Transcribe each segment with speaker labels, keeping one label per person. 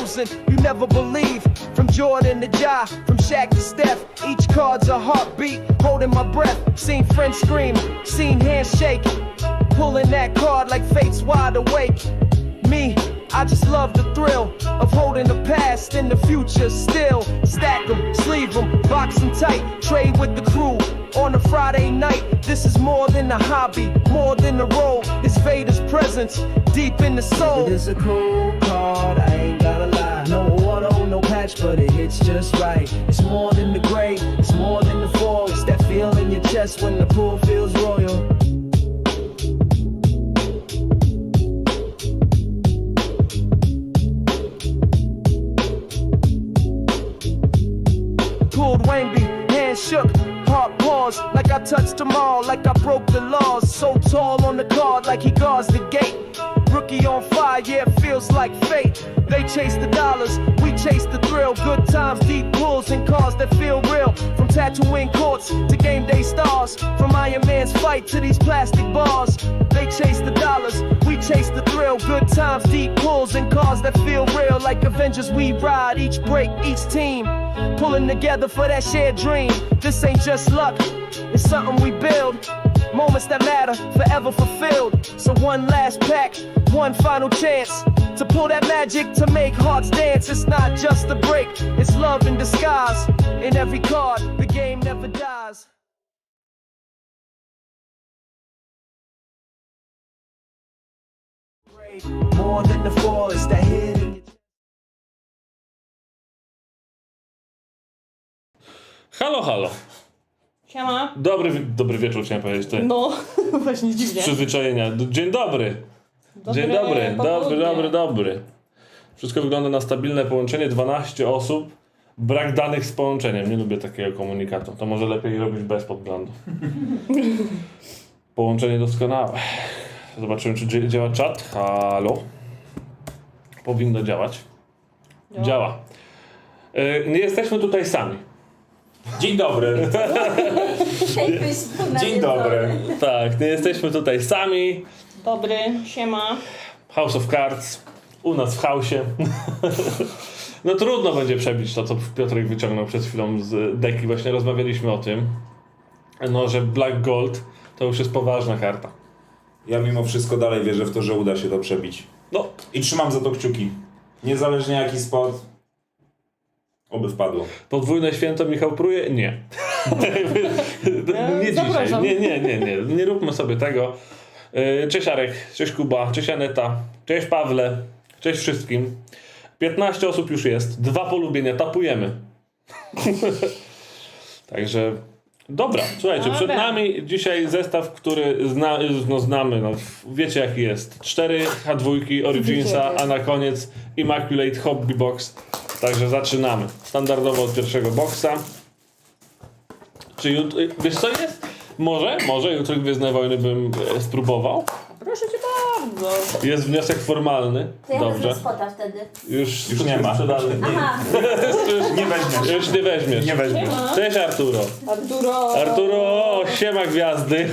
Speaker 1: 2000, you never believe. From Jordan to Ja, from Shaq to Steph, each card's a heartbeat, holding my breath. Seen friends scream, seen hands shake, pulling that card like fate's wide awake. Me, I just love the thrill of holding the past and the future still. Stack them, sleeve them, box them tight, trade with the crew on a Friday night. This is more than a hobby, more than a role. It's Vader's presence deep in the soul.
Speaker 2: It is a cool card, I ain't gotta lie. No auto, no patch, but it hits just right. It's more than the gray, it's more than the fall. It's that feel in your chest when the pool feels royal.
Speaker 1: Pulled Wangby, hands shook, heart paused, like I touched them all, like I broke the laws. So tall on the guard, like he guards the gate. Rookie on fire, yeah, it feels like fate. They chase the dollars, we chase the thrill. Good times, deep pulls, and cars that feel real. From tattooing courts to game day stars, from Iron Man's fight to these plastic bars. They chase the dollars, we chase the thrill. Good times, deep pulls, and cars that feel real. Like Avengers, we ride each break, each team, pulling together for that shared dream. This ain't just luck, it's something we build. Moments that matter, forever fulfilled. So one last pack, one final chance to pull that magic, to make hearts dance. It's not just a break, it's love in disguise. In every card, the game never dies.
Speaker 2: More than the fall, it's that hit in your
Speaker 3: Halo, halo.
Speaker 4: Siema.
Speaker 3: Dobry wieczór, chciałem powiedzieć. To
Speaker 4: No, właśnie dziwnie.
Speaker 3: z przyzwyczajenia. Dzień dobry. Dzień dobry. Wszystko wygląda na stabilne połączenie. 12 osób. Brak danych z połączeniem. Nie lubię takiego komunikatu. To może lepiej robić bez podglądu. Połączenie doskonałe. Zobaczymy, czy działa czat. Halo. Powinno działać. Działa. Nie jesteśmy tutaj sami.
Speaker 5: Dzień dobry. Dzień dobry.
Speaker 3: Tak, nie jesteśmy tutaj sami.
Speaker 4: Dobry, siema.
Speaker 3: House of Cards. U nas w house'ie. No trudno będzie przebić to, co Piotrek wyciągnął przed chwilą z deki. Właśnie rozmawialiśmy o tym. No, że Black Gold to już jest poważna karta.
Speaker 5: Ja mimo wszystko dalej wierzę w to, że uda się to przebić.
Speaker 3: No,
Speaker 5: I trzymam za to kciuki. Niezależnie jaki spot. Oby wpadło.
Speaker 3: podwójne święto Michał pruje? Nie. Nie dzisiaj.
Speaker 4: Zapraszam.
Speaker 3: Nie róbmy sobie tego. Cześć Arek, cześć Kuba, cześć Aneta, cześć Pawle, cześć wszystkim. 15 osób już jest, 2 polubienia, tapujemy. Także dobra, słuchajcie, przed nami dzisiaj zestaw, który znamy, no, wiecie jaki jest. 4 H2 Originsa, a na koniec Immaculate Hobby Box. Także zaczynamy. Standardowo od pierwszego boksa. Czy wiesz co jest? Może jutro Gwiezdne Wojny bym spróbował.
Speaker 4: Proszę cię bardzo.
Speaker 3: Jest wniosek formalny.
Speaker 6: To ja
Speaker 3: Dobrze.
Speaker 6: wezmę spota wtedy.
Speaker 3: Już
Speaker 5: nie ma.
Speaker 3: sprzedany.
Speaker 6: Aha,
Speaker 5: Nie weźmiesz.
Speaker 3: Już nie weźmiesz.
Speaker 5: Nie weźmiesz.
Speaker 4: Siema.
Speaker 3: Cześć Arturo. Arturo, siema gwiazdy.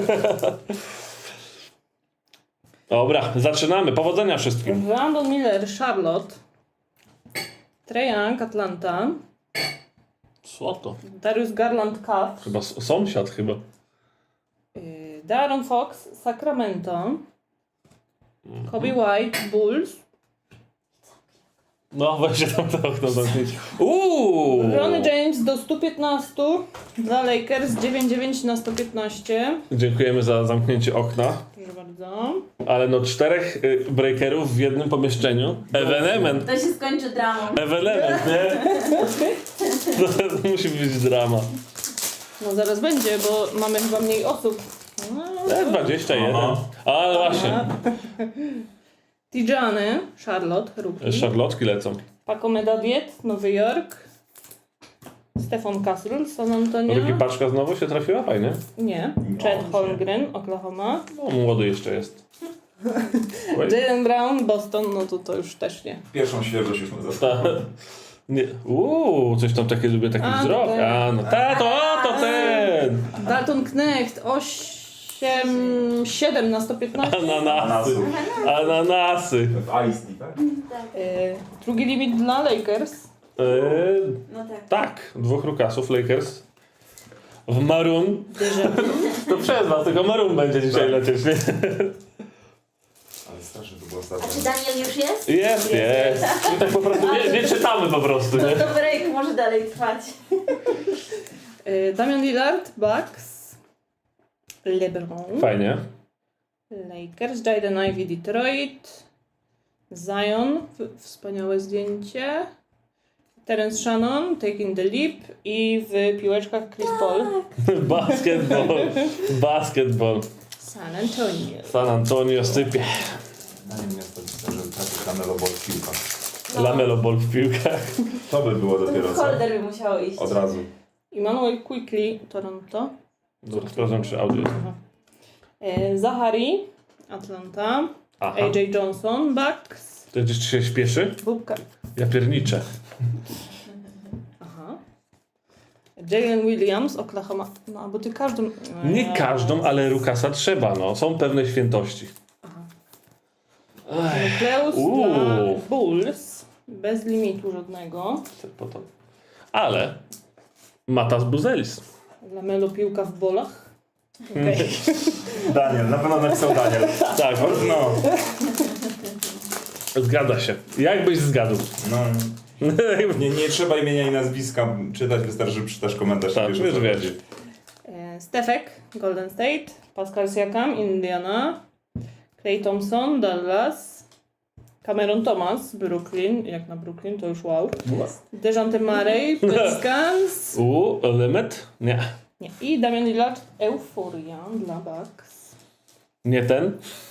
Speaker 3: Dobra, zaczynamy. Powodzenia wszystkim.
Speaker 4: Brandon Miller, Charlotte. Trae Young, Atlanta.
Speaker 3: Co to?
Speaker 4: Darius Garland, Cavs.
Speaker 3: Chyba sąsiad chyba.
Speaker 4: De'Aaron Fox, Sacramento. Kobe White, Bulls.
Speaker 3: No weźcie tam to okno zamknąć.
Speaker 4: Ronnie James do 115 dla Lakers, 9-9 na 115.
Speaker 3: Dziękujemy za zamknięcie okna.
Speaker 4: Proszę bardzo.
Speaker 3: Ale no 4 breakerów w jednym pomieszczeniu. Ewenement.
Speaker 6: to się skończy dramą.
Speaker 3: Ewenement, nie? To musi być drama.
Speaker 4: No zaraz będzie, bo mamy chyba mniej osób. No,
Speaker 3: 21.
Speaker 5: Aha.
Speaker 3: A właśnie.
Speaker 4: Tijany, Charlotte, rookie.
Speaker 3: Szarlotki lecą.
Speaker 4: Paco Medadiet, Nowy Jork. Stefan Castle, San Antonio.
Speaker 3: Ruki paczka znowu się trafiła? Fajnie.
Speaker 4: Nie. Chet Holmgren, Oklahoma.
Speaker 3: No, młody jeszcze jest.
Speaker 4: Jaylen Brown, Boston, no to już też nie.
Speaker 5: Pierwszą świeżość już my zastanawiamy.
Speaker 3: Ta, nie. Coś tam takie lubię, taki
Speaker 4: A,
Speaker 3: wzrok.
Speaker 4: to ten.
Speaker 3: A, no to ten!
Speaker 4: Dalton Knecht, 7 na 115.
Speaker 3: Ananasy. Ananasy.
Speaker 5: W Ice Tea, tak?
Speaker 4: Drugi limit dla Lakers.
Speaker 6: No tak.
Speaker 3: Tak, 2 Rukasów Lakers. W Maroon. To przez was, tylko Maroon będzie dzisiaj lecieć, nie?
Speaker 5: Ale strasznie to było
Speaker 6: A
Speaker 5: ostatnio.
Speaker 6: czy Daniel już jest?
Speaker 3: Jest. My tak po prostu nie czytamy po prostu,
Speaker 6: No
Speaker 3: nie?
Speaker 6: to break może dalej trwać.
Speaker 4: Damian Lillard, Bucks. LeBron.
Speaker 3: Fajnie.
Speaker 4: Lakers, Jaden Ivey, Detroit. Zion, wspaniałe zdjęcie. Terence Shannon, Taking the Leap i w piłeczkach Chris Paul.
Speaker 3: Basketball.
Speaker 4: San Antonio.
Speaker 3: San Antonio sypie.
Speaker 5: Na nim miasto pisał, że trafi Lamelo Ball w piłkach.
Speaker 3: Lamelo Ball w piłkach.
Speaker 5: To by było dopiero co.
Speaker 6: Holder by musiało iść.
Speaker 5: Od razu.
Speaker 4: Emmanuel Quickly, Toronto.
Speaker 3: Dobra, sprawdzam, czy audio jest.
Speaker 4: Zachary, Atlanta.
Speaker 3: Aha.
Speaker 4: AJ Johnson, Bucks.
Speaker 3: To gdzieś się śpieszy?
Speaker 4: Bubka.
Speaker 3: Ja pierniczę.
Speaker 4: Aha. Jalen Williams, Oklahoma. No, bo ty każdym...
Speaker 3: Nie każdą, ale Rukasa trzeba, no. Są pewne świętości.
Speaker 4: Nukleus
Speaker 3: Uuu.
Speaker 4: dla Bulls. Bez limitu żadnego.
Speaker 3: Ale Matas Buzelis.
Speaker 4: Dla Melo piłka w bolach. Okay.
Speaker 5: Daniel, na pewno napisał Daniel.
Speaker 3: Tak,
Speaker 5: No.
Speaker 3: zgadza się. Jakbyś zgadł.
Speaker 5: No. Nie trzeba imienia i nazwiska czytać, wystarczy, że przeczytasz komentarz.
Speaker 3: Tak,
Speaker 5: wiesz, o
Speaker 3: wiesz,
Speaker 5: co
Speaker 3: wiesz.
Speaker 5: chodzi.
Speaker 4: Stefek, Golden State. Pascal Siakam, Indiana. Klay Thompson, Dallas. Cameron Thomas, Brooklyn. Jak na Brooklyn, to już wow. Dejante Murray, Pelicans.
Speaker 3: Limit? Nie.
Speaker 4: Nie. I Damian Lillard, Euforia dla Bucks.
Speaker 3: Nie ten.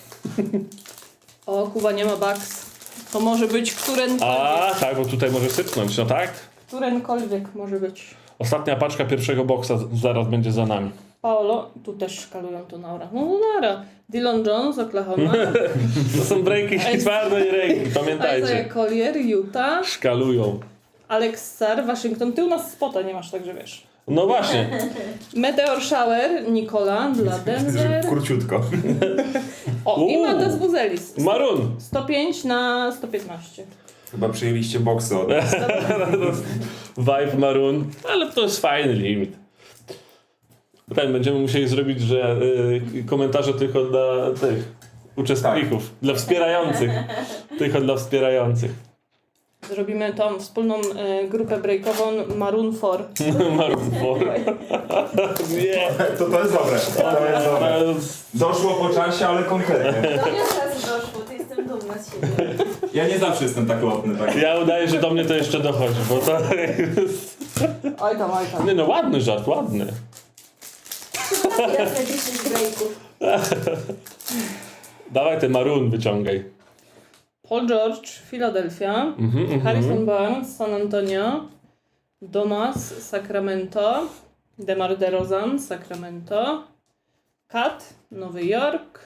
Speaker 4: O, Kuba nie ma Bucks. To może być
Speaker 3: A, tak, bo tutaj może sypnąć, no tak?
Speaker 4: którenkolwiek może być.
Speaker 3: Ostatnia paczka pierwszego boksa zaraz będzie za nami.
Speaker 4: Paolo, tu też szkalują to na orach. No nara. Dillon Jones, Oklahoma.
Speaker 3: To są breaki twarde i ręki,
Speaker 4: Isaiah
Speaker 3: pamiętajcie.
Speaker 4: Collier, Utah.
Speaker 3: Szkalują.
Speaker 4: Alex Sarr, Waszyngton. Ty u nas spota nie masz, także wiesz.
Speaker 3: No właśnie.
Speaker 4: Meteor Shower, Nikola dla Denver.
Speaker 5: Króciutko.
Speaker 4: O, i Matas Buzelis.
Speaker 3: Maroon.
Speaker 4: 105 na 115.
Speaker 5: Chyba przyjęliście boksy od nas.
Speaker 3: Vibe Maroon. Ale to jest fajny limit. Ten będziemy musieli zrobić, że komentarze tylko dla tych uczestników. Dla wspierających. Tylko dla wspierających.
Speaker 4: Zrobimy tą wspólną grupę breakową Maroon 4.
Speaker 3: Maroon 4. Nie.
Speaker 5: To jest dobre. To jest dobre. Doszło po czasie, ale konkretnie.
Speaker 6: Do mnie od razu doszło, to jestem dumna z siebie.
Speaker 5: Ja nie zawsze jestem tak lotny. Tak.
Speaker 3: Ja udaję, że do mnie to jeszcze dochodzi, bo to jest...
Speaker 4: Oj tam.
Speaker 3: Nie no, ładny żart, ładny.
Speaker 6: Teraz na 10 breaków.
Speaker 3: Dawaj ten Maroon wyciągaj.
Speaker 4: Paul George, Philadelphia. Harrison Barnes, San Antonio. Domas, Sacramento. DeMar DeRozan, Sacramento. Kat, Nowy Jork.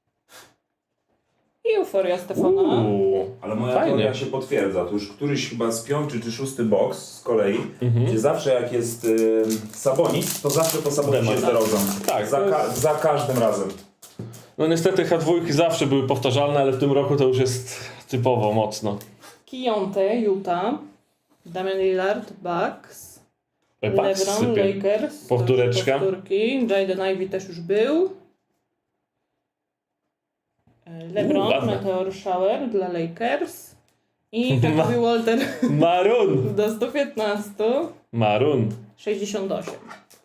Speaker 4: I Euforia Stefana.
Speaker 5: Ale moja
Speaker 3: Fajnie.
Speaker 5: teoria się potwierdza. To już któryś chyba z 5. czy 6. boks z kolei, gdzie zawsze jak jest Sabonis, to zawsze po Sabonisie jest DeRozan.
Speaker 3: Tak,
Speaker 5: Za każdym razem.
Speaker 3: No niestety H2 zawsze były powtarzalne, ale w tym roku to już jest typowo mocno.
Speaker 4: Kionte, Utah. Damian Lillard, Bucks.
Speaker 3: Bucks
Speaker 4: LeBron,
Speaker 3: sypie.
Speaker 4: Lakers.
Speaker 3: Powtóreczka.
Speaker 4: Powtórki. Jaden Ivey też już był. LeBron,
Speaker 3: ładne.
Speaker 4: Meteor Shower dla Lakers. I Jacoby Walter
Speaker 3: Maroon!
Speaker 4: do 115.
Speaker 3: Maroon.
Speaker 4: 68.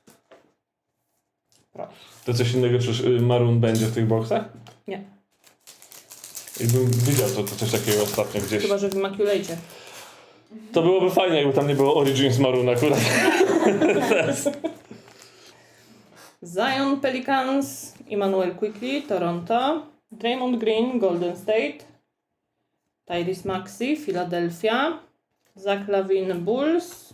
Speaker 3: To coś innego, czy Maroon będzie w tych boksach?
Speaker 4: Nie.
Speaker 3: Jakbym widział to coś takiego ostatnio gdzieś.
Speaker 4: Chyba, że w Immaculate.
Speaker 3: To byłoby fajnie, jakby tam nie było Origins Maroon akurat.
Speaker 4: Zion, Pelicans. Emmanuel Quickly, Toronto. Draymond Green, Golden State. Tyrese Maxey, Philadelphia. Zach LaVine, Bulls.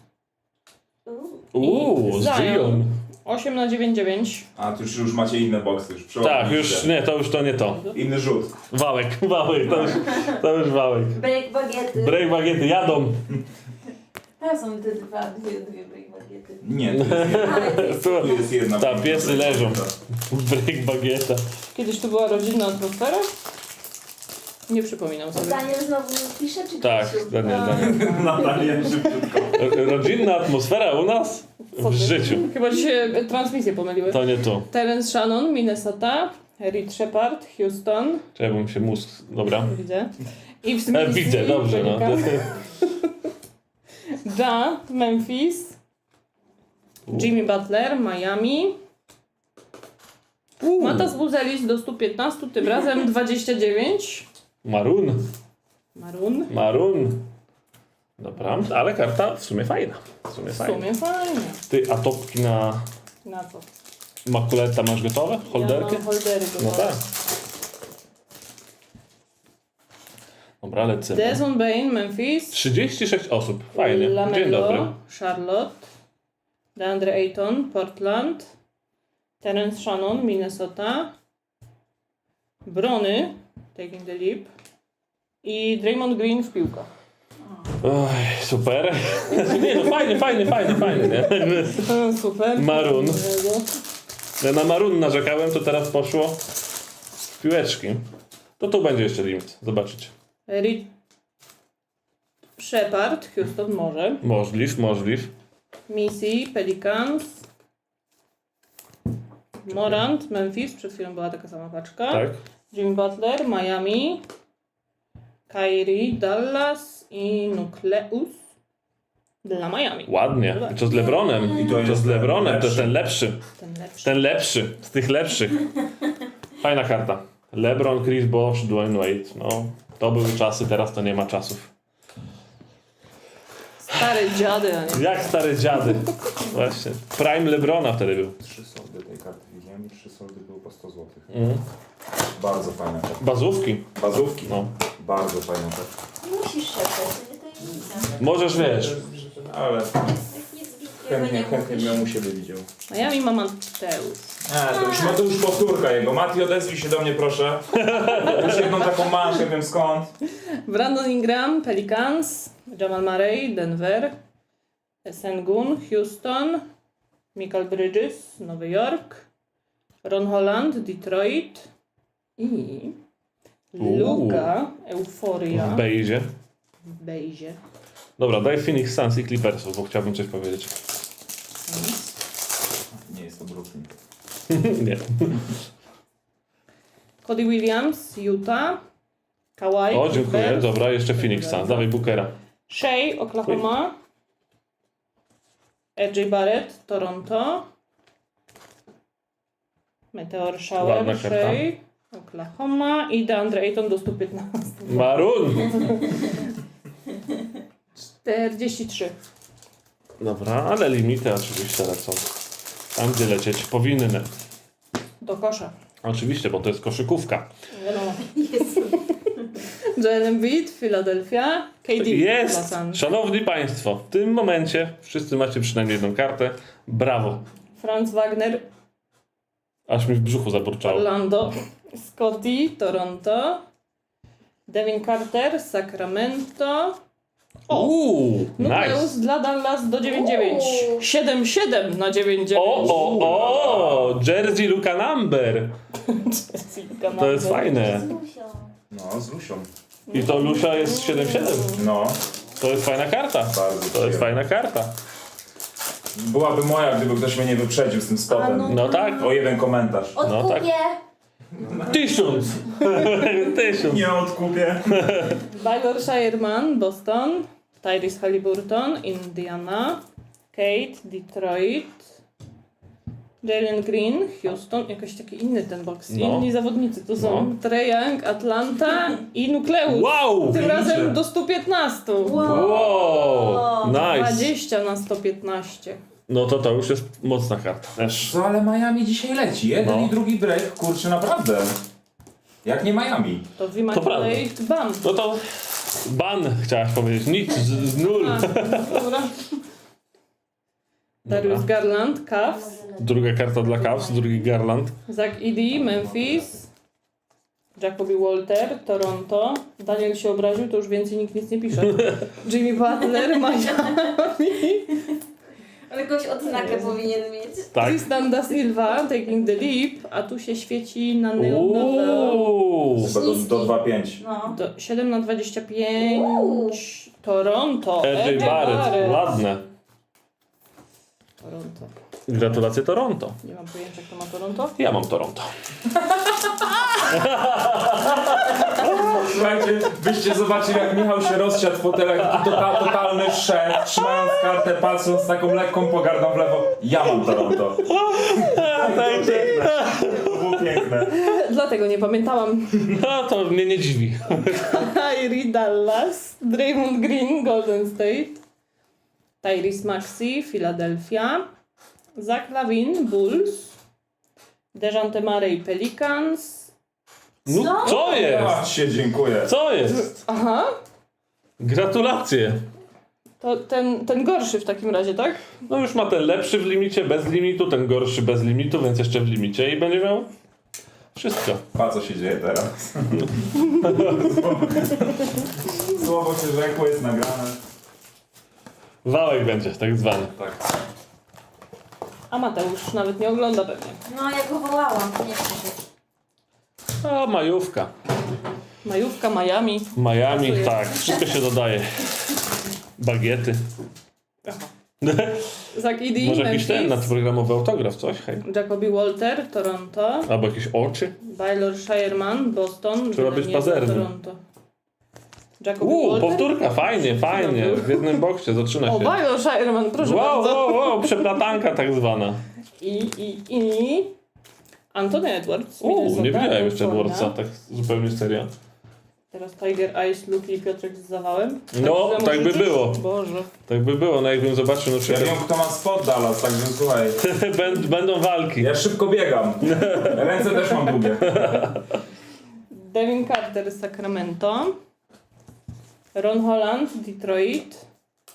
Speaker 3: Zion.
Speaker 4: 8 na 9.
Speaker 5: A tu już macie inne boksy. Już
Speaker 3: Tak, już nie, to nie to.
Speaker 5: Inny rzut.
Speaker 3: Wałek, to już wałek.
Speaker 6: Break bagiety.
Speaker 3: Break bagiety, jadą.
Speaker 6: Tam są te dwie break bagiety.
Speaker 5: Nie, tu jest jedna.
Speaker 3: Ta, piesy leżą. Break bagieta.
Speaker 4: Kiedyś tu była rodzinna atmosfera? Nie przypominam sobie.
Speaker 6: Daniel znowu pisze, czy
Speaker 3: Tak,
Speaker 6: Krzysiu?
Speaker 3: Daniel.
Speaker 5: Natalia szybciutko.
Speaker 3: Rodzinna atmosfera u nas? W życiu.
Speaker 4: Chyba dzisiaj transmisje pomyliły.
Speaker 3: To nie tu.
Speaker 4: Terence Shannon, Minnesota. Reed Shepard, Houston.
Speaker 3: Czekaj, mi się mózg... Dobra.
Speaker 4: Widzę. I w Smith
Speaker 3: Widzę, dobrze, no.
Speaker 4: Ja, Memphis. Jimmy Butler, Miami. Matas Buzelis do 115, tym razem 29.
Speaker 3: Maroon.
Speaker 4: Maroon.
Speaker 3: Dobra, ale karta w sumie fajna.
Speaker 4: W sumie fajnie.
Speaker 3: Ty, a topki na
Speaker 4: Na co?
Speaker 3: makuleta masz gotowe? Holderki?
Speaker 4: Ja mam holdery
Speaker 3: No
Speaker 4: gotowe.
Speaker 3: tak. Dobra, lecimy.
Speaker 4: Desmond Bain, Memphis.
Speaker 3: 36 osób. Fajnie. Dzień
Speaker 4: Lamelo,
Speaker 3: dobry.
Speaker 4: Charlotte. DeAndre Ayton, Portland. Terence Shannon, Minnesota. Brony, Taking the Leap. I Draymond Green w piłkach.
Speaker 3: Oj, super. Nie no, fajnie, nie?
Speaker 4: Super.
Speaker 3: Maroon. Ja na Maroon narzekałem, to teraz poszło w piłeczki. To tu będzie jeszcze limit. Zobaczycie.
Speaker 4: Reed Shepard, Houston może.
Speaker 3: Możliw.
Speaker 4: Missy, Pelicans. Morant, Memphis, przed chwilą była taka sama paczka.
Speaker 3: Tak.
Speaker 4: Jimmy Butler, Miami. Kyrie, Dallas i Nukleus dla Miami.
Speaker 3: Ładnie. I to z LeBronem.
Speaker 5: I to jest
Speaker 3: z LeBronem, to jest ten
Speaker 5: lepszy.
Speaker 3: lepszy.
Speaker 4: Ten lepszy.
Speaker 3: Ten lepszy. Z tych lepszych. Fajna karta. LeBron, Chris Bosh, Dwayne Wade. No, to były czasy, teraz to nie ma czasów.
Speaker 4: Stare dziady, a nie.
Speaker 3: Jak stare dziady. Właśnie. Prime LeBrona wtedy był.
Speaker 5: 3 soldy tej karty widziałem i 3 soldy były po 100 zł.
Speaker 3: Mhm.
Speaker 5: Bardzo fajna karta.
Speaker 3: Bazówki.
Speaker 5: Bazówki.
Speaker 3: No.
Speaker 5: Bardzo fajna karta.
Speaker 6: Nie musisz szeptać, to nie tajemnica.
Speaker 3: Możesz, wiesz.
Speaker 5: Ale
Speaker 6: Jak nic wielkiego nie
Speaker 5: chętnie
Speaker 6: mówisz.
Speaker 5: bym ją u siebie widział.
Speaker 4: Miami ma Mateusz.
Speaker 5: To już powtórka jego. Mati, odezwij się do mnie, proszę. Już jedną taką masz, nie wiem skąd.
Speaker 4: Brandon Ingram, Pelicans. Jamal Murray, Denver. Sengun, Houston. Michael Bridges, Nowy Jork. Ron Holland, Detroit. I Luka, Euforia
Speaker 3: W bejzie.
Speaker 4: w bejzie.
Speaker 3: Dobra, daj Phoenix Suns i Clippersów, bo chciałbym coś powiedzieć.
Speaker 5: Nie jest to Brooklyn.
Speaker 3: Nie.
Speaker 4: Cody Williams, Utah. Kawhi,
Speaker 3: O, dziękuję.
Speaker 4: Clippers.
Speaker 3: Dobra, jeszcze Phoenix Suns. Dawaj Bookera.
Speaker 4: Shea, Oklahoma. RJ Barrett, Toronto. Meteor
Speaker 3: Ładna
Speaker 4: Shower,
Speaker 3: karta.
Speaker 4: Shea, Oklahoma i DeAndre Ayton do 115.
Speaker 3: Maroon.
Speaker 4: 43.
Speaker 3: Dobra, ale limity oczywiście lecą. Tam, gdzie lecieć powinny.
Speaker 4: Do kosza.
Speaker 3: Oczywiście, bo to jest koszykówka.
Speaker 4: Wiadomo.
Speaker 6: Jezu.
Speaker 4: Joel Embiid, Philadelphia. KD, Los
Speaker 3: Jest!
Speaker 4: Angeles.
Speaker 3: Szanowni Państwo, w tym momencie wszyscy macie przynajmniej jedną kartę. Brawo.
Speaker 4: Franz Wagner,
Speaker 3: Aż mi w brzuchu zaburczało.
Speaker 4: Orlando. Scotty, Toronto. Devin Carter, Sacramento.
Speaker 3: Nice.
Speaker 4: Nukleus dla Dallas do 9-9. 7-7 na 9-9.
Speaker 3: O, Jersey Luka Number. To jest fajne.
Speaker 6: Z Lusią.
Speaker 5: No, z Lusią.
Speaker 3: I to Lusia jest 7-7.
Speaker 5: No,
Speaker 3: To jest fajna karta.
Speaker 5: bardzo
Speaker 3: To jest
Speaker 5: przyjemnie.
Speaker 3: fajna karta.
Speaker 5: Byłaby moja, gdyby ktoś mnie nie wyprzedził z tym spotem.
Speaker 3: No tak.
Speaker 5: O jeden komentarz.
Speaker 3: No tak.
Speaker 6: Odkupię.
Speaker 3: 1000. 1000.
Speaker 5: Nie odkupię.
Speaker 4: Baylor Shireman, Boston. Tyrese Halliburton, Indiana. Kate, Detroit. Jalen Green, Houston. Jakoś taki inny ten box.
Speaker 3: No.
Speaker 4: Inni zawodnicy to są
Speaker 3: No.
Speaker 4: Trae Young, Atlanta i Nukleus.
Speaker 3: Wow!
Speaker 4: Tym razem do 115.
Speaker 3: Wow! Nice.
Speaker 4: 20 na 115.
Speaker 3: No to już jest mocna karta. Też.
Speaker 5: Co, ale Miami dzisiaj leci. Jeden
Speaker 3: No.
Speaker 5: i drugi break, kurczę, naprawdę. Jak nie Miami.
Speaker 4: To
Speaker 3: To
Speaker 4: Immaculate Bam.
Speaker 3: No to ban chciałaś powiedzieć. Nic, z nul.
Speaker 4: A, dobra. Darius Garland, Cavs.
Speaker 3: Druga karta dla Cavs, drugi Garland.
Speaker 4: Zach Edey, Memphis. Jacoby Walter, Toronto. Daniel się obraził, to już więcej nikt nic nie pisze. Jimmy Butler, Miami.
Speaker 6: Ale jakąś odznakę powinien mieć.
Speaker 3: Tak.
Speaker 4: Tristan da Silva, Taking the Leap, a tu się świeci na neonowe.
Speaker 3: Uuu.
Speaker 5: Chyba do 2,5.
Speaker 6: No.
Speaker 4: 7/25. Toronto.
Speaker 3: RJ Barrett. Ładne.
Speaker 4: Toronto.
Speaker 3: Gratulacje Toronto.
Speaker 4: Nie mam pojęcia, kto ma Toronto.
Speaker 3: Ja mam Toronto.
Speaker 5: Słuchajcie, byście zobaczyli, jak Michał się rozsiadł w fotelach, totalny szef, trzymając kartę, patrząc z taką lekką pogardą w lewo. Ja mam Toronto. To było piękne.
Speaker 4: Dlatego nie pamiętałam.
Speaker 3: No to mnie nie dziwi.
Speaker 4: Kyrie Dallas, Draymond Green, Golden State, Tyrese Maxey, Philadelphia, Zach LaVine, Bulls, Dejante Murray, Pelicans.
Speaker 3: No co jest?
Speaker 5: Ach, się dziękuję.
Speaker 3: Co jest?
Speaker 4: Aha,
Speaker 3: Gratulacje.
Speaker 4: to ten gorszy w takim razie, tak?
Speaker 3: No już ma ten lepszy w limicie, bez limitu, ten gorszy bez limitu, więc jeszcze w limicie i będzie miał wszystko.
Speaker 5: Pa, co się dzieje teraz? Słowo się rzekło, jest nagrane.
Speaker 3: Wałek będzie, tak zwany.
Speaker 5: Tak.
Speaker 4: A Mateusz nawet nie ogląda pewnie.
Speaker 6: No, ja go wołałam, nie przyszedł.
Speaker 3: O, majówka.
Speaker 4: Majówka, Miami.
Speaker 3: Miami,
Speaker 4: Pasuje.
Speaker 3: tak, wszystko się dodaje. Bagiety.
Speaker 4: Zach Edey,
Speaker 3: Może jakiś ten
Speaker 4: Memphis,
Speaker 3: nadprogramowy autograf, coś? Hej.
Speaker 4: Jacoby Walter, Toronto,
Speaker 3: Albo jakieś oczy.
Speaker 4: Baylor Shireman, Boston,
Speaker 3: Trzeba być
Speaker 4: nie,
Speaker 3: pazernym.
Speaker 4: Toronto. Jacoby Walter.
Speaker 3: Powtórka, fajnie, fajnie. W jednym boksie zaczyna
Speaker 4: O,
Speaker 3: się.
Speaker 4: Baylor Shireman, proszę
Speaker 3: Wow,
Speaker 4: bardzo.
Speaker 3: wow, przeplatanka tak zwana.
Speaker 4: I Anthony Edwards.
Speaker 3: Nie widziałem jeszcze
Speaker 4: California.
Speaker 3: Edwardsa, tak zupełnie serio.
Speaker 4: Teraz Tiger Eyes, Luke i Piotrek z zawałem.
Speaker 3: No,
Speaker 4: Także
Speaker 3: tak by
Speaker 4: możesz-
Speaker 3: było.
Speaker 4: Boże.
Speaker 3: Tak by było, no jakbym zobaczył na
Speaker 5: Ja
Speaker 3: przykład.
Speaker 5: wiem, kto ma spod Dallas, także słuchaj.
Speaker 3: Będą walki.
Speaker 5: Ja szybko biegam. Ręce też mam długie.
Speaker 4: Devin Carter z Sacramento. Ron Holland, Detroit.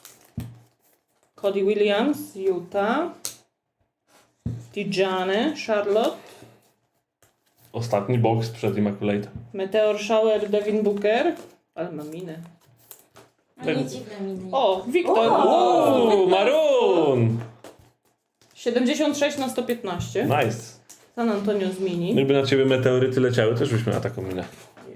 Speaker 4: Cody Williams, Utah. Tijane, Charlotte.
Speaker 3: Ostatni boks przed Immaculate.
Speaker 4: Meteor Shower, Devin Booker. Ale ma minę.
Speaker 6: No nie dziwne miny.
Speaker 4: O, Wiktor.
Speaker 3: Maroon!
Speaker 4: 76/115.
Speaker 3: Nice.
Speaker 4: San Antonio z mini.
Speaker 3: Gdyby na ciebie meteoryty leciały, też byśmy na taką minę.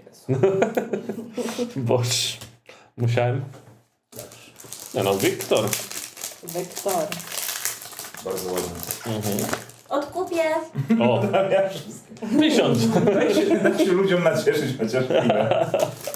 Speaker 3: Boż. Musiałem. No, Wiktor.
Speaker 4: Wektor.
Speaker 5: Bardzo ładnie.
Speaker 6: Odkupię.
Speaker 3: O, 1000.
Speaker 5: Daj się ludziom nacieszyć chociaż chwilę.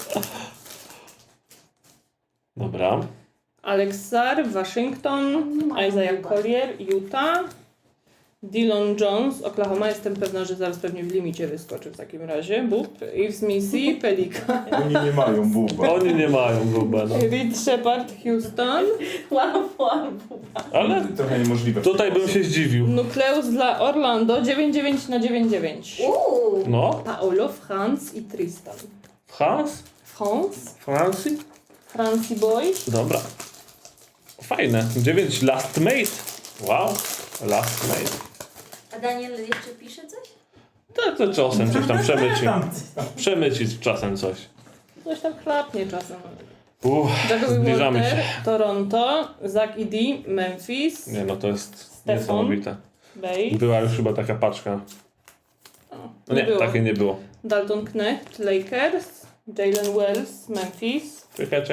Speaker 3: Dobra.
Speaker 4: Alex Sarr, Waszyngton. Isaiah Collier, Utah. Dillon Jones, Oklahoma. Jestem pewna, że zaraz pewnie w limicie wyskoczy w takim razie. Bób. Yves Missy, Pelikan.
Speaker 5: Oni nie mają buba.
Speaker 3: Oni nie mają guba, no.
Speaker 4: Reed Shepard, Houston.
Speaker 6: Łapałam.
Speaker 3: Ale
Speaker 5: Trochę niemożliwe.
Speaker 3: tutaj bym się zdziwił.
Speaker 4: Nukleus dla Orlando, 9/9/9.
Speaker 3: No.
Speaker 4: Paolo, Franz i Tristan.
Speaker 3: Hans?
Speaker 4: Franz,
Speaker 3: Francji?
Speaker 4: Francie Boy.
Speaker 3: Dobra. Fajne. 9 Last Mate. Wow. Last Mate.
Speaker 6: A Daniel jeszcze pisze coś?
Speaker 3: To czasem coś tam przemyci. Przemyci czasem coś.
Speaker 4: Coś tam chlapnie czasem. Jacoby
Speaker 3: Zbliżamy
Speaker 4: Walter,
Speaker 3: się.
Speaker 4: Toronto, Zach Edey, Memphis,
Speaker 3: Nie no, to jest
Speaker 4: Stefan.
Speaker 3: niesamowite.
Speaker 4: Bay,
Speaker 3: Była już chyba taka paczka. No nie,
Speaker 4: było.
Speaker 3: takiej nie było.
Speaker 4: Dalton Knecht, Lakers, Jalen Wells, Memphis.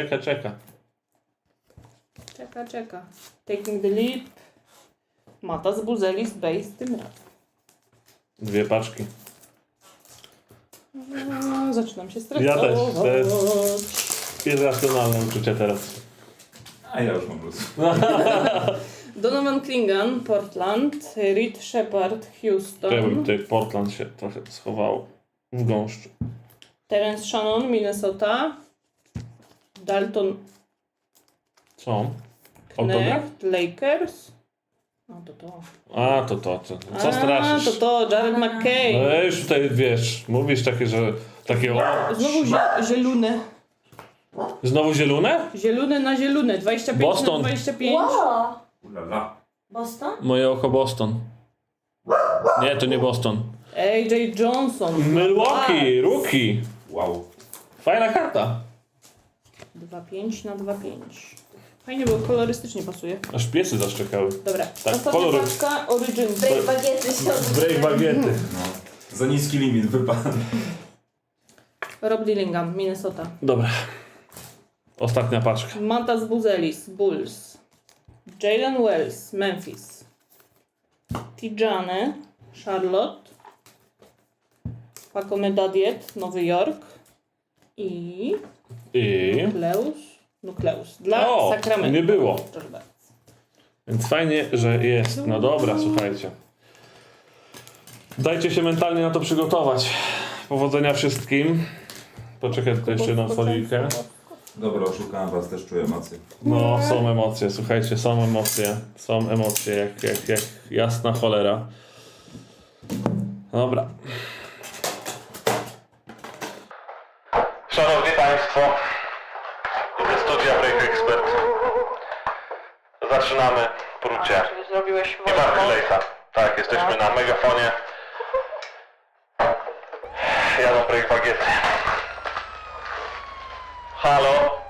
Speaker 3: Czeka.
Speaker 4: Taking the Leap, Mata z Buzelis, Base tym razem.
Speaker 3: 2 paczki.
Speaker 4: Zaczynam się stresować.
Speaker 3: Ja też. To jest irracjonalne uczucie teraz.
Speaker 5: A ja już mam plus.
Speaker 4: Donovan Klingan, Portland, Reed Shepard,
Speaker 3: Czemu
Speaker 4: Houston,
Speaker 3: tutaj Portland się trochę schował w gąszczu.
Speaker 4: Terence Shannon, Minnesota, Dalton
Speaker 3: Co? Autograf?
Speaker 4: Knecht, Lakers. No to.
Speaker 3: A, to. Co straszysz?
Speaker 4: To, Jared McKay.
Speaker 3: No już tutaj wiesz, mówisz takie, że takie o,
Speaker 4: Znowu zielone.
Speaker 3: znowu zielone?
Speaker 4: Zielone na zielone. 25
Speaker 3: Boston.
Speaker 4: na 25.
Speaker 6: Wow.
Speaker 5: Ulala.
Speaker 6: Boston?
Speaker 3: Moje oko Boston. Nie, to nie Boston.
Speaker 4: AJ Johnson.
Speaker 3: Milwaukee, rookie.
Speaker 5: Wow.
Speaker 3: Fajna karta.
Speaker 4: 2-5 na 2-5. Fajnie, bo kolorystycznie pasuje.
Speaker 3: Aż piesy zaszczekały.
Speaker 4: Dobra,
Speaker 3: Tak,
Speaker 4: ostatnia
Speaker 3: kolory.
Speaker 4: paczka Origins.
Speaker 6: Break bagiety się
Speaker 3: Break bagiety.
Speaker 5: No. Za niski limit wypadł.
Speaker 4: Rob Dillingham, Minnesota.
Speaker 3: Dobra. Ostatnia paczka.
Speaker 4: Matas Buzelis, Bulls. Jalen Wells, Memphis. Tijane, Charlotte. Paco Medadiet, Nowy Jork. I Nukleus dla
Speaker 3: O,
Speaker 4: Sacramento.
Speaker 3: nie było.
Speaker 4: Proszę bardzo.
Speaker 3: Więc fajnie, że jest. No dobra, słuchajcie. Dajcie się mentalnie na to przygotować. Powodzenia wszystkim. Poczekaj tylko jeszcze na folijkę.
Speaker 5: Dobra, oszukałem was, też czuję emocje.
Speaker 3: No, są emocje, słuchajcie, są emocje. Są emocje, jak jasna cholera. Dobra. Szanowni Państwo, ze studia Break Expert zaczynamy prócie.
Speaker 4: Zrobiłeś
Speaker 3: Nie ma Relate'a. Tak, jesteśmy na megafonie. Jadą Break Bagiety. Halo?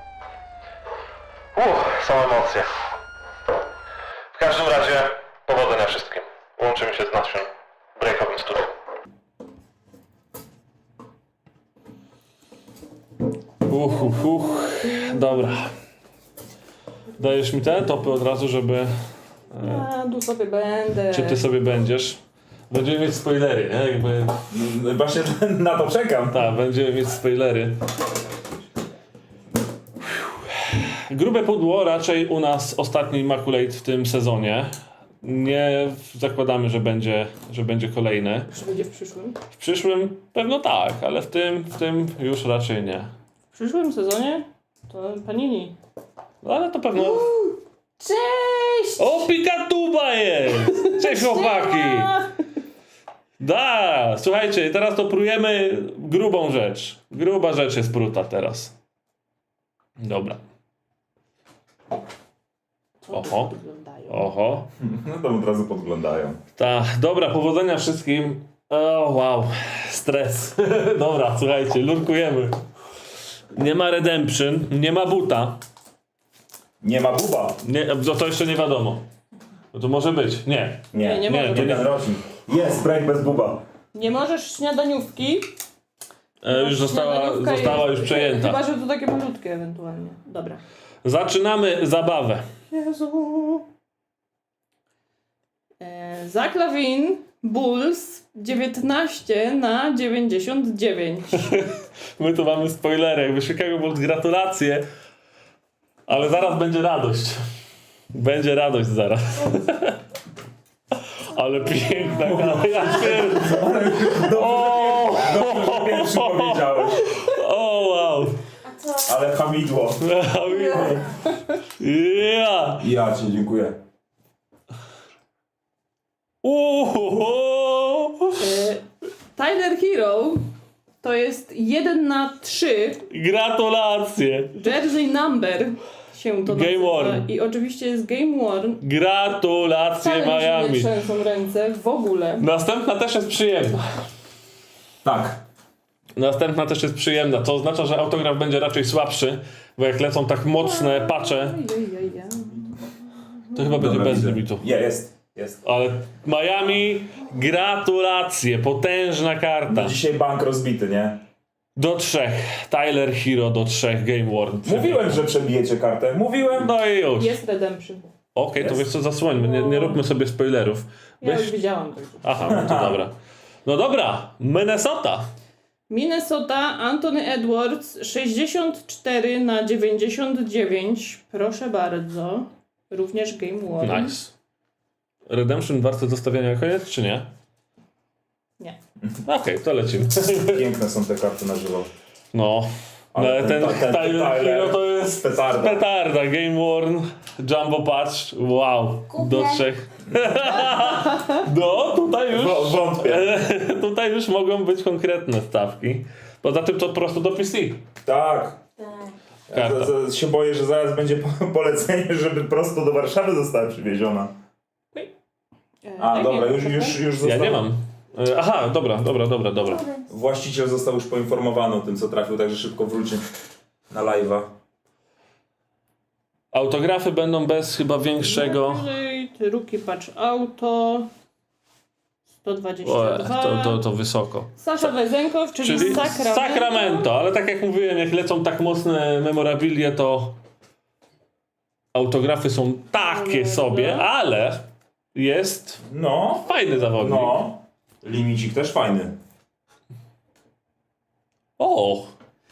Speaker 3: Są emocje. W każdym razie powodzenia wszystkim. Łączymy się z naszym breakowym studium. Dobra. Dajesz mi te topy od razu, żeby...
Speaker 4: Tu sobie będę.
Speaker 3: Czy ty sobie będziesz? Będziemy mieć spoilery, nie? Jakby...
Speaker 5: Właśnie na to czekam.
Speaker 3: Tak, będziemy mieć spoilery. Grube pudło, raczej u nas ostatni Immaculate w tym sezonie. Nie zakładamy, że będzie kolejny.
Speaker 4: Czy będzie w przyszłym?
Speaker 3: W przyszłym pewno tak, ale w tym już raczej nie.
Speaker 4: W przyszłym sezonie to Panini.
Speaker 3: No, ale to pewno...
Speaker 4: Cześć!
Speaker 3: O, Pikatuba jest! Cześć chłopaki! Da, słuchajcie, teraz to prujemy grubą rzecz. Gruba rzecz jest pruta teraz. Dobra. Oho. Oho.
Speaker 5: No to od razu podglądają.
Speaker 3: Dobra, powodzenia wszystkim. O, wow. Stres. Dobra, słuchajcie, lurkujemy. Nie ma Redemption, nie ma buta.
Speaker 5: Nie ma buba.
Speaker 3: Nie, to jeszcze nie wiadomo. No to może być. Nie.
Speaker 4: Nie może
Speaker 3: to
Speaker 4: być.
Speaker 3: nie.
Speaker 5: rocznik. Jest break bez buba.
Speaker 4: Nie możesz śniadaniówki.
Speaker 3: Już została
Speaker 4: Śniadaniówka
Speaker 3: już przejęta.
Speaker 4: Chyba, że to takie malutkie ewentualnie. Dobra.
Speaker 3: Zaczynamy zabawę.
Speaker 4: Jezu. Zach Lavin, Bulls 19 na 99.
Speaker 3: My tu mamy spoilery. Jakby Chicago Bulls, gratulacje. Ale zaraz będzie radość. Będzie radość zaraz. Ale piękna gra. Ja pierdolę. O!
Speaker 5: Dobrze, że pierwszy powiedziałeś.
Speaker 3: O, wow.
Speaker 6: A co?
Speaker 5: Ale hamidło.
Speaker 3: Ja.
Speaker 5: Ja cię dziękuję.
Speaker 4: Tyler Hero to jest 1 na 3.
Speaker 3: Gratulacje.
Speaker 4: Jersey Number się to
Speaker 3: Game
Speaker 4: nazywa.
Speaker 3: worn.
Speaker 4: I oczywiście jest Game Worn.
Speaker 3: Gratulacje
Speaker 4: Wcale mi się nie
Speaker 3: Miami.
Speaker 4: trzęsą ręce w ogóle.
Speaker 3: Następna też jest przyjemna.
Speaker 5: Tak.
Speaker 3: Następna też jest przyjemna. To oznacza, że autograf będzie raczej słabszy, bo jak lecą tak mocne patche, to chyba będzie
Speaker 5: Dobra,
Speaker 3: bez
Speaker 5: widzę.
Speaker 3: limitu.
Speaker 5: Jest.
Speaker 3: Ale Miami, gratulacje, potężna karta.
Speaker 5: Dzisiaj bank rozbity, nie?
Speaker 3: Do 3. Tyler Hero do 3. Game Worn.
Speaker 5: Mówiłem, że przebijecie kartę. Mówiłem.
Speaker 3: No i już.
Speaker 4: Jest Redemption.
Speaker 3: Okej, to wiesz co, zasłońmy, nie róbmy sobie spoilerów.
Speaker 4: Ja już widziałam tego.
Speaker 3: Aha, no to dobra. No dobra, Minnesota.
Speaker 4: Minnesota, Anthony Edwards 64 na 99. Proszę bardzo. Również Game Worn.
Speaker 3: Nice. Redemption warte zostawienia na koniec, czy nie?
Speaker 4: Nie.
Speaker 3: Okej, to lecimy.
Speaker 5: Piękne są te karty na żywo.
Speaker 3: No, ale ten Tyler Hero to jest
Speaker 5: petarda.
Speaker 3: petarda. Game Worn, Jumbo Patch, wow,
Speaker 6: Kupię.
Speaker 3: do 3. No, tutaj już,
Speaker 5: Wątpię.
Speaker 3: tutaj już mogą być konkretne stawki. Poza tym to prosto do PC.
Speaker 5: Tak.
Speaker 6: Tak.
Speaker 5: Ja
Speaker 3: Karta.
Speaker 5: się boję, że zaraz będzie polecenie, żeby prosto do Warszawy została przywieziona. A,
Speaker 4: Tak,
Speaker 5: dobra,
Speaker 4: nie,
Speaker 5: już
Speaker 4: proszę.
Speaker 5: zostało.
Speaker 3: Ja nie mam. Aha, dobra.
Speaker 5: Właściciel został już poinformowany o tym, co trafił, także szybko wróci na live'a.
Speaker 3: Autografy będą bez chyba większego...
Speaker 4: Rookie Patch Auto. 122.
Speaker 3: To wysoko.
Speaker 4: Sasza Wezenkow, czyli
Speaker 3: Sacramento, ale tak jak mówiłem, jak lecą tak mocne memorabilie, to autografy są takie sobie, ale jest
Speaker 5: No,
Speaker 3: fajny zawodnik.
Speaker 5: no. Limicik też fajny.
Speaker 3: O,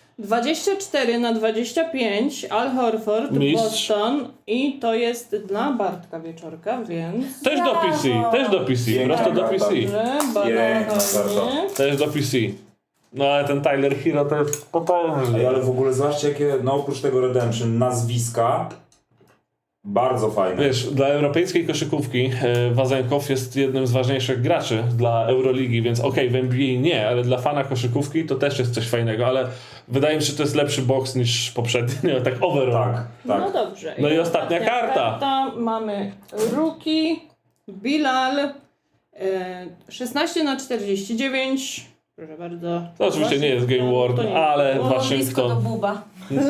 Speaker 4: 24/25 Al Horford,
Speaker 3: Mistrz.
Speaker 4: Boston i to jest dla Bartka Wieczorka, więc...
Speaker 3: też do PC,
Speaker 5: Piękna
Speaker 3: prosto do
Speaker 5: karta.
Speaker 3: PC.
Speaker 4: Dobrze,
Speaker 5: Piękna
Speaker 4: badanie.
Speaker 3: Też do PC. No ale ten Tyler Hero to jest
Speaker 5: Ej,
Speaker 3: potężny.
Speaker 5: ale w ogóle zobaczcie, jakie, no oprócz tego Redemption, nazwiska bardzo fajne.
Speaker 3: Wiesz, dla europejskiej koszykówki Wazenkow jest jednym z ważniejszych graczy dla Euroligi, więc okej, w NBA nie, ale dla fana koszykówki to też jest coś fajnego, ale wydaje mi się, że to jest lepszy boks niż poprzedni, tak overall.
Speaker 5: Tak,
Speaker 4: No
Speaker 5: tak.
Speaker 4: dobrze.
Speaker 3: No i ostatnia karta.
Speaker 4: Mamy Rookie, Bilal, 16/49. Proszę bardzo.
Speaker 3: To oczywiście nie jest Game World,
Speaker 4: To nie.
Speaker 3: ale
Speaker 6: Było blisko do
Speaker 3: Waszyngton.
Speaker 6: buba.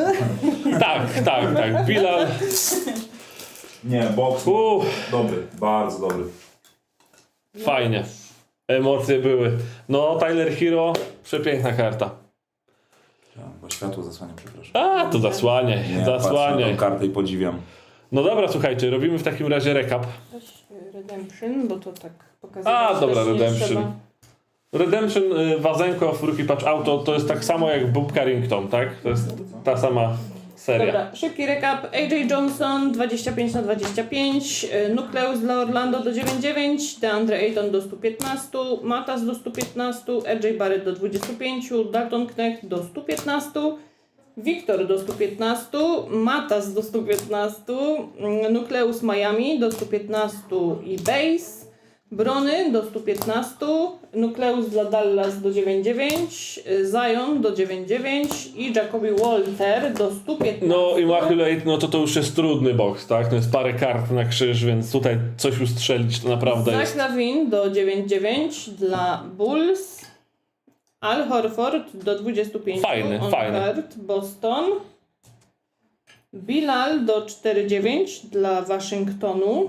Speaker 3: Tak. Bilal.
Speaker 5: Nie, boks dobry, bardzo dobry.
Speaker 3: Fajnie. Emocje były. No, Tyler Hero, przepiękna karta.
Speaker 5: Bo światło zasłania, przepraszam.
Speaker 3: A, to zasłaniaj,
Speaker 5: Nie, patrzę na
Speaker 3: zasłaniaj.
Speaker 5: tą kartę i podziwiam.
Speaker 3: No dobra, słuchajcie, robimy w takim razie recap.
Speaker 4: Weź Redemption, bo to tak pokazuje.
Speaker 3: A, dobra,
Speaker 4: też nie
Speaker 3: Redemption.
Speaker 4: trzeba.
Speaker 3: Redemption, Wazenkow, Rookie Patch Auto to jest tak samo jak Bob Carrington, tak? To jest ta sama seria.
Speaker 4: Dobra, szybki recap. AJ Johnson 25/25, Nucleus dla Orlando do 9,9, DeAndre Ayton do 115, Matas do 115, RJ Barrett do 25, Dalton Knecht do 115, Wiktor do 115, Matas do 115, Nucleus Miami do 115 i Base, Brony do 115, Nucleus dla Dallas do 9,9, Zion do 9,9 i Jacoby Walter do 115.
Speaker 3: No, Immaculate, no to już jest trudny box, tak? To jest parę kart na krzyż, więc tutaj coś ustrzelić to naprawdę
Speaker 4: Zach
Speaker 3: jest...
Speaker 4: Lavin do 9,9 dla Bulls, Al Horford do 25
Speaker 3: Fajny.
Speaker 4: Card, Boston, Bilal do 4,9 dla Waszyngtonu,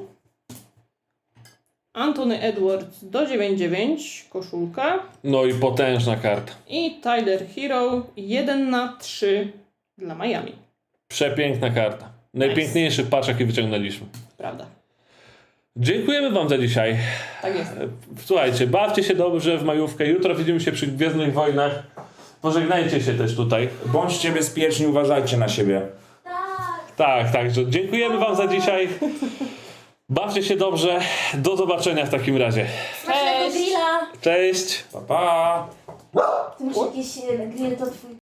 Speaker 4: Anthony Edwards do 9,9 koszulka
Speaker 3: No i potężna karta.
Speaker 4: i Tyler Hero 1/3 dla Miami.
Speaker 3: Przepiękna karta. Najpiękniejszy patch, jaki wyciągnęliśmy.
Speaker 4: Prawda.
Speaker 3: Dziękujemy wam za dzisiaj.
Speaker 4: Tak jest.
Speaker 3: Słuchajcie, bawcie się dobrze w majówkę. Jutro widzimy się przy Gwiezdnych Wojnach. Pożegnajcie się też tutaj.
Speaker 5: Bądźcie bezpieczni, uważajcie na siebie.
Speaker 3: Także dziękujemy wam za dzisiaj. Bawcie się dobrze. Do zobaczenia w takim razie.
Speaker 6: Smacznego grilla!
Speaker 3: Cześć!
Speaker 5: Pa, pa!
Speaker 6: Ty masz jakieś grill, to twój